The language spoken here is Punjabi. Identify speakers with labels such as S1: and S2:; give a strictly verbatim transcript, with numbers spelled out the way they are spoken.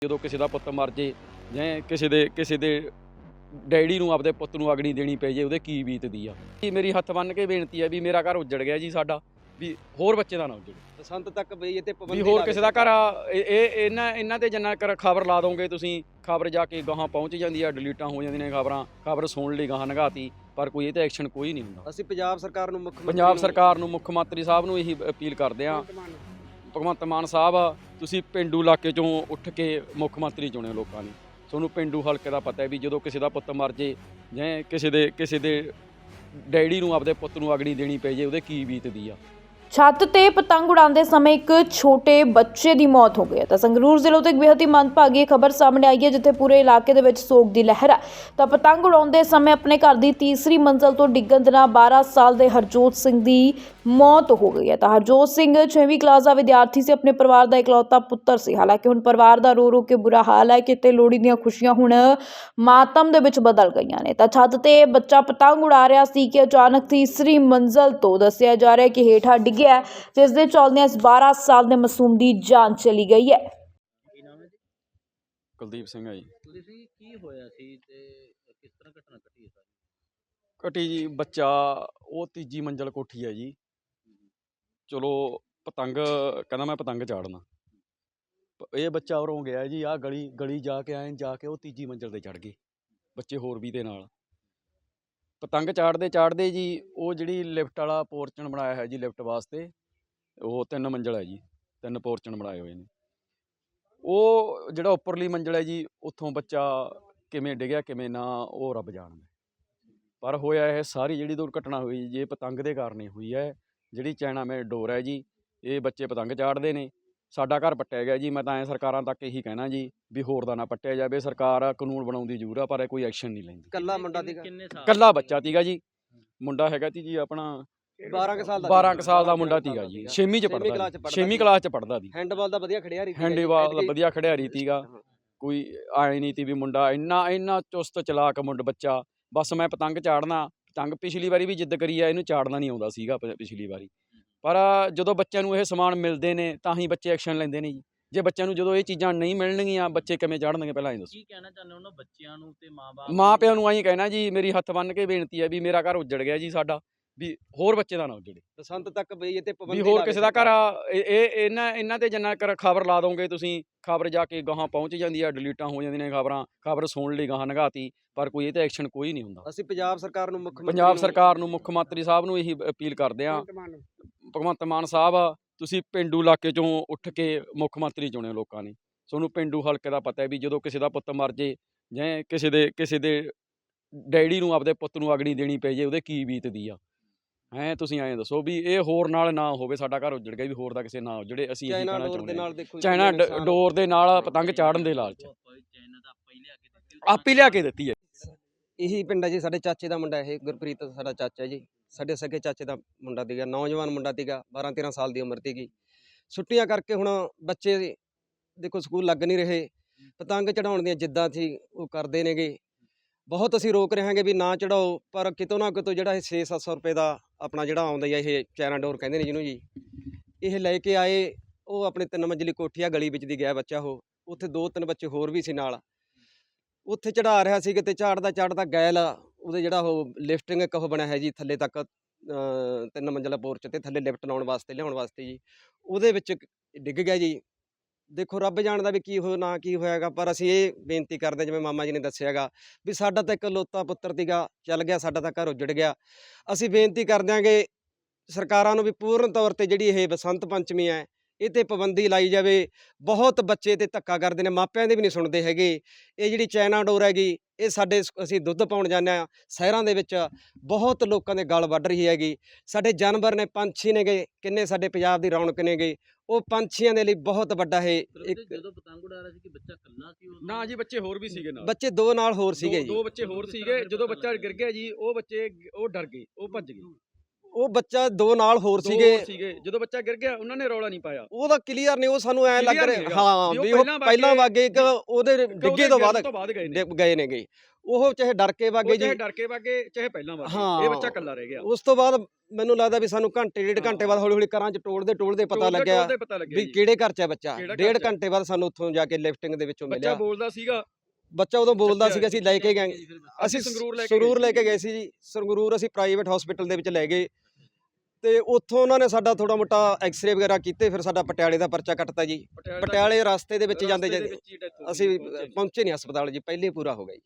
S1: ਜਦੋਂ ਕਿਸੇ ਦਾ ਪੁੱਤ ਮਰ ਜੇ ਜਾਂ ਕਿਸੇ ਦੇ ਕਿਸੇ ਦੇ ਡੈਡੀ ਨੂੰ ਆਪਦੇ ਪੁੱਤ ਨੂੰ ਅਗਨੀ ਦੇਣੀ ਪੈ ਜੇ ਉਹਦੇ ਕੀ ਬੀਤਦੀ ਆ। ਮੇਰੀ ਹੱਥ ਬੰਨ ਕੇ ਬੇਨਤੀ ਹੈ ਵੀ ਮੇਰਾ ਘਰ ਉੱਜੜ ਗਿਆ ਜੀ ਸਾਡਾ, ਵੀ ਹੋਰ ਬੱਚੇ ਦਾ ਨਾ ਉੱਜੜੇ।
S2: ਬਸੰਤ ਤੱਕ ਬਈ ਇਹ ਤੇ
S1: ਵੀ
S2: ਪਾਬੰਦੀ
S1: ਹੋਰ ਕਿਸੇ ਦਾ ਘਰ ਆ, ਇਹ ਇਹ- ਇਹਨਾਂ ਇਹਨਾਂ ਤੇ ਜਿੰਨਾ ਕਰ ਖਬਰ ਲਾ ਦੋਗੇ ਤੁਸੀਂ, ਖਬਰ ਜਾ ਕੇ ਗਾਹਾਂ ਪਹੁੰਚ ਜਾਂਦੀ ਆ, ਡਿਲੀਟਾਂ ਹੋ ਜਾਂਦੀਆਂ ਨੇ ਖਬਰਾਂ, ਖਬਰ ਸੁਣ ਲਈ ਗਾਹਾਂ ਨਗਾਤੀ, ਪਰ ਕੋਈ ਇਹ ਤੇ ਐਕਸ਼ਨ ਕੋਈ ਨਹੀਂ ਹੁੰਦਾ।
S2: ਅਸੀਂ ਪੰਜਾਬ ਸਰਕਾਰ ਨੂੰ ਮੁੱਖ ਮੰਤਰੀ
S1: ਪੰਜਾਬ
S2: ਨੂੰ-
S1: ਸਰਕਾਰ ਨੂੰ, ਮੁੱਖ ਮੰਤਰੀ ਸਾਹਿਬ ਨੂੰ ਇਹੀ ਅਪੀਲ ਕਰਦੇ ਆ, ਭਗਵੰਤ ਮਾਨ ਸਾਹਿਬ ਤੁਸੀਂ ਪਿੰਡੂ ਇਲਾਕੇ ਚੋਂ ਉੱਠ ਕੇ ਮੁੱਖ ਮੰਤਰੀ ਚੁਣਿਓ ਲੋਕਾਂ ਨੇ। ਤੁਹਾਨੂੰ ਪਿੰਡੂ ਹਲਕੇ ਦਾ ਪਤਾ ਹੈ ਵੀ ਜਦੋਂ ਕਿਸੇ ਦਾ ਪੁੱਤ ਮਰ ਜੇ ਜਾਂ ਕਿਸੇ ਦੇ ਕਿਸੇ ਦੇ ਡੈਡੀ ਨੂੰ ਆਪਦੇ ਪੁੱਤ ਨੂੰ ਅਗਨੀ ਦੇਣੀ ਪੈ ਜੇ ਉਹਦੇ ਕੀ ਬੀਤਦੀ ਆ।
S3: ਛੱਤ ਤੇ ਪਤੰਗ ਉਡਾਉਂਦੇ ਸਮੇਂ ਇੱਕ ਛੋਟੇ ਬੱਚੇ ਦੀ ਮੌਤ ਹੋ ਗਈ ਹੈ ਤਾਂ ਸੰਗਰੂਰ ਜ਼ਿਲ੍ਹੇ ਤੋਂ ਇੱਕ ਬੇਹੱਦ ਹੀ ਮੰਦਭਾਗੀ ਖਬਰ ਸਾਹਮਣੇ ਆਈ ਹੈ, ਜਿੱਥੇ ਪੂਰੇ ਇਲਾਕੇ ਦੇ ਵਿੱਚ ਸੋਗ ਦੀ ਲਹਿਰ ਹੈ। ਤਾਂ ਪਤੰਗ ਉਡਾਉਂਦੇ ਸਮੇਂ ਆਪਣੇ ਘਰ ਦੀ ਤੀਸਰੀ ਮੰਜ਼ਲ ਤੋਂ ਡਿੱਗਣ ਦੇ ਨਾਲ ਬਾਰਾਂ ਸਾਲ ਦੇ ਹਰਜੋਤ ਸਿੰਘ ਦੀ ਮੌਤ ਹੋ ਗਈ ਹੈ। ਤਾਂ ਹਰਜੋਤ ਸਿੰਘ ਛੇਵੀਂ ਕਲਾਸ ਦਾ ਵਿਦਿਆਰਥੀ ਸੀ, ਆਪਣੇ ਪਰਿਵਾਰ ਦਾ ਇਕਲੌਤਾ ਪੁੱਤਰ ਸੀ। ਹਾਲਾਂਕਿ ਹੁਣ ਪਰਿਵਾਰ ਦਾ ਰੋ ਰੋ ਕੇ ਬੁਰਾ ਹਾਲ ਹੈ, ਕਿਤੇ ਲੋਹੜੀ ਦੀਆਂ ਖੁਸ਼ੀਆਂ ਹੁਣ ਮਾਤਮ ਦੇ ਵਿੱਚ ਬਦਲ ਗਈਆਂ ਨੇ। ਤਾਂ ਛੱਤ ਤੇ ਬੱਚਾ ਪਤੰਗ ਉਡਾ ਰਿਹਾ ਸੀ ਕਿ ਅਚਾਨਕ ਤੀਸਰੀ ਮੰਜ਼ਲ ਤੋਂ ਦੱਸਿਆ ਜਾ ਰਿਹਾ ਕਿ ਹੇਠਾਂ ਡਿੱਗਿਆ, ਜਿਸ ਦੇ ਚੱਲਦਿਆਂ ਇਸ ਬਾਰਾਂ ਸਾਲ ਦੇ ਮਾਸੂਮ ਦੀ ਜਾਨ ਚਲੀ ਗਈ ਹੈ।
S2: ਕੀ ਨਾਮ ਹੈ ਜੀ?
S1: ਕੁਲਦੀਪ ਸਿੰਘ ਆ ਜੀ।
S2: ਤੁਸੀਂ ਕੀ ਹੋਇਆ ਸੀ ਤੇ ਕਿਸ ਤਰ੍ਹਾਂ ਘਟਨਾ ਘਟੀ ਹੈ ਸਾਰੀ?
S1: ਘਟੀ ਜੀ, ਬੱਚਾ ਉਹ ਤੀਜੀ ਮੰਜ਼ਲ ਕੋਠੀ ਹੈ ਜੀ। ਚਲੋ ਪਤੰਗ ਕਹਿੰਦਾ ਮੈਂ ਪਤੰਗ ਚਾੜਨਾ, ਪ- ਇਹ ਬੱਚਾ ਉਰੋਂ ਗਿਆ ਜੀ, ਆਹ ਗਲੀ ਗਲੀ ਜਾ ਕੇ ਆਏ ਜਾ ਕੇ ਉਹ ਤੀਜੀ ਮੰਜ਼ਲ ਤੇ ਚੜ ਗਏ ਬੱਚੇ ਹੋਰ ਵੀ ਦੇ ਨਾਲ। ਪਤੰਗ ਚਾੜਦੇ ਚਾੜਦੇ ਜੀ ਉਹ ਜਿਹੜੀ ਲਿਫਟ ਵਾਲਾ ਪੋਰਚਨ ਬਣਾਇਆ ਹੈ ਜੀ ਲਿਫਟ ਵਾਸਤੇ, ਉਹ ਤਿੰਨ ਮੰਜ਼ਲ ਹੈ ਜੀ, ਤਿੰਨ ਪੋਰਚਨ ਬਣਾਏ ਹੋਏ ਨੇ। ਉਹ ਜਿਹੜਾ ਉੱਪਰਲੀ ਮੰਜ਼ਲ ਹੈ ਜੀ, ਉੱਥੋਂ ਬੱਚਾ ਕਿਵੇਂ ਡਿੱਗਿਆ ਕਿਵੇਂ ਨਾ ਉਹ ਰੱਬ ਜਾਣਦਾ। ਪਰ ਹੋਇਆ ਇਹ ਸਾਰੀ ਜਿਹੜੀ ਦੁਰਘਟਨਾ ਹੋਈ ਜੀ, ਇਹ ਪਤੰਗ ਦੇ ਕਾਰਨ ਹੀ ਹੋਈ ਹੈ। ਜਿਹੜੀ ਚਾਈਨਾ ਮੇਡ ਡੋਰ ਹੈ ਜੀ, ਇਹ ਬੱਚੇ ਪਤੰਗ ਚਾੜਦੇ ਨੇ, ਸਾਡਾ ਘਰ ਪੱਟਿਆ ਗਿਆ ਜੀ। ਮੈਂ ਤਾਂ ਐਂ ਸਰਕਾਰਾਂ ਤੱਕ ਇਹੀ ਕਹਿਣਾ ਜੀ ਵੀ ਹੋਰ ਦਾ ਨਾ ਪੱਟਿਆ ਜਾਵੇ। ਸਰਕਾਰ ਕਾਨੂੰਨ ਬਣਾਉਂਦੀ ਜ਼ਰੂਰ ਆ, ਪਰ ਇਹ ਕੋਈ ਐਕਸ਼ਨ ਨਹੀਂ ਲੈਂਦੀ।
S2: ਕੱਲਾ ਮੁੰਡਾ ਸੀਗਾ?
S1: ਕੱਲਾ ਬੱਚਾ ਤੀਗਾ ਜੀ, ਮੁੰਡਾ ਹੈਗਾ ਤੀ ਜੀ ਆਪਣਾ
S2: ਬਾਰਾਂ ਕੁ ਸਾਲ ਦਾ
S1: ਬਾਰਾਂ ਕੁ ਸਾਲ ਦਾ ਮੁੰਡਾ ਤੀਗਾ ਜੀ, ਛੇਵੀਂ ਚ
S2: ਕਲਾਸ
S1: ਪੜ੍ਹਦਾ
S2: ਚ ਪੜ੍ਹਦਾ
S1: ਛੇਵੀਂ
S2: ਸੀ।
S1: ਕਲਾਸ ਚ ਪੜ੍ਹਦਾ ਦੀ।
S2: ਹੈਂਡਬਾਲ ਦਾ ਵਧੀਆ ਖਿਡਾਰੀ ਸੀ।
S1: ਹੈਂਡੀਬਾਲ ਦਾ ਵਧੀਆ ਖਿਡਾਰੀ ਤੀਗਾ,
S2: ਹਾਂ।
S1: ਕੋਈ ਆਏ ਨਹੀਂ ਤੀ ਵੀ ਮੁੰਡਾ ਇੰਨਾ ਇੰਨਾ ਚੁਸਤ ਚਲਾਕ ਮੁੰਡਾ ਬੱਚਾ। ਬਸ ਮੈਂ ਪਤੰਗ ਚਾੜਨਾ, ਪਤੰਗ ਪਿਛਲੀ ਵਾਰੀ ਵੀ ਜਿੱਦ ਕਰੀ ਆ, ਇਹਨੂੰ ਚਾੜਨਾ ਨਹੀਂ ਆਉਂਦਾ ਸੀਗਾ ਪ- ਪਿਛਲੀ ਵਾਰੀ। ਪਰ ਜਦੋਂ ਬੱਚਿਆਂ ਨੂੰ ਇਹ ਸਮਾਨ ਮਿਲਦੇ ਨੇ ਤਾਂ ਹੀ ਬੱਚੇ ਐਕਸ਼ਨ ਲੈਂਦੇ ਨੇ ਜੀ। ਜੇ ਬੱਚਿਆਂ ਨੂੰ ਜਦੋਂ ਇਹ ਚੀਜ਼ਾਂ ਨਹੀਂ ਮਿਲਣਗੀਆਂ, ਬੱਚੇ ਕਿਵੇਂ ਚੜ੍ਹਨਗੇ ਪਹਿਲਾਂ ਇਹ ਦੱਸੋ।
S4: ਕੀ ਕਹਿਣਾ ਚਾਹੁੰਦੇ ਹੋ ਉਹਨਾਂ ਬੱਚਿਆਂ ਨੂੰ ਤੇ ਮਾਂ-ਬਾਪ
S1: ਮਾਂ ਪਿਓ ਨੂੰ ਆਹੀ ਕਹਿਣਾ ਜੀ, ਮੇਰੀ ਹੱਥ ਬੰਨ ਕੇ ਬੇਨਤੀ ਹੈ ਵੀ ਮੇਰਾ ਘਰ ਉੱਜੜ ਗਿਆ ਜੀ ਸਾਡਾ, ਵੀ ਹੋਰ ਬੱਚੇ ਦਾ ਨਾ ਉੱਜੜੇ।
S2: ਬਸੰਤ ਤੱਕ ਬਈ ਇਹ ਤੇ
S1: ਵੀ
S2: ਪਾਬੰਦੀ
S1: ਹੋਰ ਕਿਸੇ ਦਾ ਘਰ ਆ, ਇਹ ਇਹ- ਇਹਨਾਂ ਇਹਨਾਂ ਤੇ ਜਿੰਨਾ ਕਰ ਖਬਰ ਲਾ ਦੋਗੇ ਤੁਸੀਂ, ਖਬਰ ਜਾ ਕੇ ਗਾਹਾਂ ਪਹੁੰਚ ਜਾਂਦੀ ਆ, ਡਿਲੀਟਾਂ ਹੋ ਜਾਂਦੀਆਂ ਨੇ ਖਬਰਾਂ, ਖਬਰ ਸੁਣ ਲਈ ਗਾਹਾਂ ਨਗਾਤੀ, ਪਰ ਕੋਈ ਇਹ ਤੇ ਐਕਸ਼ਨ ਕੋਈ ਨਹੀਂ ਹੁੰਦਾ।
S2: ਅਸੀਂ ਪੰਜਾਬ ਸਰਕਾਰ ਨੂੰ ਮੁੱਖ ਮੰਤਰੀ
S1: ਪੰਜਾਬ
S2: ਨੂੰ-
S1: ਸਰਕਾਰ ਨੂੰ, ਮੁੱਖ ਮੰਤਰੀ ਸਾਹਿਬ ਨੂੰ ਇਹੀ ਅਪੀਲ ਕਰਦੇ ਆ, ਭਗਵੰਤ ਮਾਨ ਸਾਹਿਬ ਤੁਸੀਂ ਪਿੰਡੂ ਇਲਾਕੇ ਚੋਂ ਉੱਠ ਕੇ ਮੁੱਖ ਮੰਤਰੀ ਚੁਣਿਓ ਲੋਕਾਂ ਨੇ। ਤੁਹਾਨੂੰ ਪਿੰਡੂ ਹਲਕੇ ਦਾ ਪਤਾ ਹੈ ਵੀ ਜਦੋਂ ਕਿਸੇ ਦਾ ਪੁੱਤ ਮਰ ਜੇ ਜਾਂ ਕਿਸੇ ਦੇ ਕਿਸੇ ਦੇ ਡੈਡੀ ਨੂੰ ਆਪਦੇ ਪੁੱਤ ਨੂੰ ਅਗਨੀ ਦੇਣੀ ਪੈ ਜੇ ਉਹਦੇ ਕੀ ਬੀਤਦੀ ਆ। ਹੈਂ ਤੁਸੀਂ ਐਂ ਦੱਸੋ ਵੀ ਇਹ ਹੋਰ ਨਾਲ ਨਾ ਹੋਵੇ, ਸਾਡਾ ਘਰ ਉੱਜੜ ਗਿਆ ਵੀ ਹੋਰ ਦਾ ਕਿਸੇ ਨਾ ਉੱਜੜੇ। ਅਸੀਂ ਇਹੀ
S2: ਚਾਈਨਾ
S1: ਕਹਿਣਾ
S2: ਡੋਰ ਦੇ
S1: ਚਾਹੁੰਦੇ
S2: ਨਾਲ
S1: ਹਾਂ।
S2: ਦੇਖੋ ਜੀ
S1: ਚਾਈਨਾ
S2: ਕਿੰਨੇ
S1: ਡ-
S2: ਨੁਕਸਾਨ-
S1: ਡੋਰ ਦੇ ਨਾਲ ਪਤੰਗ ਚਾੜਨ ਦੇ ਲਾਲਚ
S4: ਚਾਈਨਾ ਦਾ ਆਪਾਂ ਹੀ ਲਿਆ ਕੇ ਦਿੱਤੀ
S1: ਆਪ ਹੀ ਲਿਆ ਕੇ ਦਿੱਤੀ ਹੈ।
S2: ਇਹੀ ਪਿੰਡ ਹੈ ਜੀ, ਸਾਡੇ ਚਾਚੇ ਦਾ ਮੁੰਡਾ ਇਹ ਗੁਰਪ੍ਰੀਤ ਸਾਡਾ ਚਾਚਾ ਜੀ, ਸਾਡੇ ਸਕੇ ਚਾਚੇ ਦਾ ਮੁੰਡਾ ਸੀਗਾ, ਨੌਜਵਾਨ ਮੁੰਡਾ ਸੀਗਾ, ਬਾਰਾਂ ਤੇਰਾਂ ਸਾਲ ਦੀ ਉਮਰ ਸੀਗੀ। ਛੁੱਟੀਆਂ ਕਰਕੇ ਹੁਣ ਬੱਚੇ ਦੇਖੋ ਸਕੂਲ ਲੱਗ ਨਹੀਂ ਰਹੇ, ਪਤੰਗ ਚੜਾਉਣ ਦੀਆਂ ਜਿੱਦਾਂ ਸੀ ਉਹ ਕਰਦੇ ਨੇਗੇ। ਬਹੁਤ ਅਸੀਂ ਰੋਕ ਰਹੇ ਹਾਂਗੇ ਵੀ ਨਾ ਚੜਾਓ, ਪਰ ਕਿਤੋਂ ਨਾ ਕਿਤੋਂ ਜਿਹੜਾ ਇਹ ਛੇ ਸੱਤ ਸੌ ਰੁਪਏ ਦਾ ਆਪਣਾ ਜਿਹੜਾ ਆਉਂਦਾ ਜੀ, ਇਹ ਚਾਈਨਾ ਡੋਰ ਕਹਿੰਦੇ ਨੇ ਜਿਹਨੂੰ ਜੀ, ਇਹ ਲੈ ਕੇ ਆਏ। ਉਹ ਆਪਣੇ ਤਿੰਨ ਮੰਜ਼ਲੀ ਕੋਠੀ ਆ ਗਲੀ ਵਿੱਚ ਦੀ ਗਿਆ ਬੱਚਾ, ਉਹ ਉੱਥੇ ਦੋ ਤਿੰਨ ਬੱਚੇ ਹੋਰ ਵੀ ਸੀ ਨਾਲ, ਉੱਥੇ ਚੜਾ ਰਿਹਾ ਸੀ। ਕਿਤੇ ਝਾੜਦਾ ਝਾੜਦਾ ਗੈਲ ਉਹਦੇ ਜਿਹੜਾ ਉਹ ਲਿਫਟਿੰਗ ਇੱਕ ਉਹ ਬਣਿਆ ਹੈ ਜੀ ਥੱਲੇ ਤੱਕ, ਅ, ਤਿੰਨ ਮੰਜ਼ਲਾ ਪੋਰਚ ਤੇ ਥੱਲੇ ਲਿਫਟ ਲਾਉਣ ਵਾਸਤੇ ਲਿਆਉਣ ਵਾਸਤੇ ਜੀ, ਉਹਦੇ ਵਿੱਚ ਡਿੱਗ ਗਿਆ ਜੀ। ਦੇਖੋ ਰੱਬ ਜਾਣਦਾ ਵੀ ਕੀ ਹੋ ਨਾ ਕੀ ਹੋਇਆਗਾ, ਪਰ ਅਸੀਂ ਇਹ ਬੇਨਤੀ ਕਰਦੇ ਜਿਵੇਂ ਮਾਮਾ ਜੀ ਨੇ ਦੱਸਿਆਗਾ ਵੀ ਸਾਡਾ ਤਾਂ ਇੱਕ ਲੋਤਾ ਪੁੱਤਰ ਸੀਗਾ, ਚੱਲ ਗਿਆ, ਸਾਡਾ ਤਾਂ ਘਰ ਉੱਜੜ ਗਿਆ। ਅਸੀਂ ਬੇਨਤੀ ਕਰ ਦਿਆਂਗੇ ਸਰਕਾਰਾਂ ਨੂੰ ਵੀ ਪੂਰਨ ਤੌਰ ਤੇ ਜਿਹੜੀ ਇਹ ਬਸੰਤ ਪੰਚਮੀ ਹੈ ਇਹ ਤੇ ਪਾਬੰਦੀ ਲਾਈ ਜਾਵੇ। ਬਹੁਤ ਬੱਚੇ ਤੇ ਧੱਕਾ ਕਰਦੇ ਨੇ, ਮਾਪਿਆਂ ਦੇ ਵੀ ਨਹੀਂ ਸੁਣਦੇ ਹੈਗੇ। ਇਹ ਜਿਹੜੀ ਚਾਈਨਾ ਡੋਰ ਹੈਗੀ, ਇਹ ਸਾਡੇ ਸ- ਅਸੀਂ ਦੁੱਧ ਪਾਉਣ ਜਾਂਦੇ ਹਾਂ ਸ਼ਹਿਰਾਂ ਦੇ ਵਿੱਚ, ਬਹੁਤ ਲੋਕਾਂ ਦੇ ਗਲ ਵੱਢ ਰਹੀ ਹੈਗੀ। ਸਾਡੇ ਜਾਨਵਰ ਨੇ, ਪੰਛੀ ਨੇਗੇ, ਕਿੰਨੇ ਸਾਡੇ ਪੰਜਾਬ ਦੀ ਰੌਣਕ ਨੇਗੇ, ਉਹ ਪੰਛੀਆਂ ਦੇ ਲਈ ਬਹੁਤ ਵੱਡਾ ਇਹ ਇੱਕ
S4: ਜਦੋਂ ਪਤੰਗ ਉਡਾ ਰਿਹਾ ਸੀ ਕਿ ਬੱਚਾ ਇਕੱਲਾ ਸੀ ਉਹ
S1: ਨਾ ਜੀ, ਬੱਚੇ ਹੋਰ ਵੀ ਸੀਗੇ ਨਾਲ,
S2: ਬੱਚੇ ਦੋ ਨਾਲ ਹੋਰ ਸੀਗੇ
S1: ਦੋ
S2: ਜੀ।
S1: ਦੋ ਬੱਚੇ ਹੋਰ ਸੀਗੇ। ਜਦੋਂ ਬੱਚਾ ਗਿਰ ਗਿਆ ਜੀ, ਉਹ ਬੱਚੇ ਉਹ ਡਰ ਗਏ, ਉਹ ਭੱਜ ਗਏ।
S2: ਉਹ ਬੱਚਾ ਦੋ ਨਾਲ ਹੋਰ
S1: ਦੋ
S2: ਸੀਗੇ
S1: ਸੀਗੇ ਜਦੋਂ ਬੱਚਾ ਗਿਰ ਗਿਆ ਉਹਨਾਂ ਨੇ ਰੌਲਾ ਨਹੀਂ ਪਾਇਆ।
S2: ਉਹਦਾ ਕਲੀਅਰ ਨਹੀਂ, ਉਹ ਸਾਨੂੰ ਐ ਲੱਗ
S1: Clear
S2: ਰਿਹਾ
S1: ਨਹੀਂ ਹੈਗਾ
S2: ਹਾਂ
S1: ਵੀ ਉਹ
S2: ਵੀ ਉਹ
S1: ਪਹਿਲਾਂ
S2: ਪਹਿਲਾਂ
S1: ਵਾਗੇ
S2: ਵਾਗੇ ਇੱਕ ਉਹਦੇ
S1: ਕਿ
S2: ਡਿੱਗੇ
S1: ਉਹਦੇ
S2: ਤੋਂ
S1: ਗਿਰਨ
S2: ਬਾਅਦ
S1: ਤੋਂ ਬਾਅਦ ਗਏ ਨੇ
S2: ਡਿੱਗ ਗਏ ਨੇਗੇ। ਉਹ ਚਾਹੇ ਡਰ ਕੇ
S1: ਉਹ
S2: ਵਾਗੇ ਜੀ,
S1: ਚਾਹੇ ਡਰ ਕੇ ਵਾਗੇ ਚਾਹੇ ਪਹਿਲਾਂ ਵਾਗੇ,
S2: ਹਾਂ
S1: ਇਹ ਬੱਚਾ ਇਕੱਲਾ ਰਹਿ ਗਿਆ।
S2: ਉਸ ਤੋਂ ਬਾਅਦ ਮੈਨੂੰ ਲੱਗਦਾ ਵੀ ਸਾਨੂੰ ਘੰਟੇ ਡੇਢ ਘੰਟੇ ਬਾਅਦ
S1: ਹਾਂ।
S2: ਹੌਲੀ ਹੌਲੀ ਘਰਾਂ 'ਚ ਟੋਲਦੇ ਟੋਲਦੇ ਪਤਾ
S1: ਟੋਲਦੇ
S2: ਲੱਗਿਆ
S1: ਟੋਲਦੇ ਪਤਾ ਲੱਗਿਆ
S2: ਵੀ
S1: ਜੀ
S2: ਕਿਹੜੇ ਘਰ 'ਚ ਹੈ ਬੱਚਾ।
S1: ਕਿਹੜਾ ਘਰ
S2: ਡੇਢ
S1: 'ਚ ਹੈ।
S2: ਘੰਟੇ ਬਾਅਦ ਸਾਨੂੰ ਉੱਥੋਂ ਜਾ ਕੇ ਲਿਫਟਿੰਗ ਦੇ ਵਿੱਚੋਂ
S1: ਬੱਚਾ
S2: ਮਿਲਿਆ।
S1: ਬੋਲਦਾ ਸੀਗਾ,
S2: ਬੱਚਾ ਉਦੋਂ ਬੋਲਦਾ
S1: ਚੱਕਿਆ
S2: ਸੀਗਾ, ਅਸੀਂ ਲੈ ਕੇ ਗਏ,
S1: ਅਸੀਂ
S2: ਅਸੀਂ
S1: ਸੰਗਰੂਰ ਲੈ ਕੇ
S2: ਸੰਗਰੂਰ
S1: ਗਏ
S2: ਲੈ ਕੇ ਗਏ ਸੀ ਜੀ। ਸੰਗਰੂਰ ਅਸੀਂ ਪ੍ਰਾਈਵੇਟ ਹਸਪੀਟਲ ਦੇ ਵਿੱਚ ਲੈ ਗਏ ਤੇ ਉੱਥੋਂ ਉਹਨਾਂ ਨੇ ਸਾਡਾ ਥੋੜਾ ਮੋਟਾ ਐਕਸ-ਰੇ ਵਗੈਰਾ ਕੀਤੇ, ਫਿਰ ਸਾਡਾ ਪਟਿਆਲੇ ਦਾ ਪਰਚਾ ਕੱਟਤਾ ਜੀ।
S1: ਪਟਿਆਲੇ
S2: ਪਟਿਆਲੇ ਰਸਤੇ ਦੇ ਵਿੱਚ
S1: ਰਸਤੇ
S2: ਜਾਂਦੇ
S1: ਦੇ
S2: ਜਾਂਦੇ
S1: ਵਿੱਚ ਹੀ death ਹੋ ਗਈ,
S2: ਅਸੀਂ
S1: ਪਹੁੰਚੇ ਜੀ।
S2: ਪਹੁੰਚੇ ਨਹੀਂ ਹਸਪਤਾਲ ਜੀ, ਪਹਿਲੇ ਪੂਰਾ ਹੋ ਗਿਆ ਜੀ।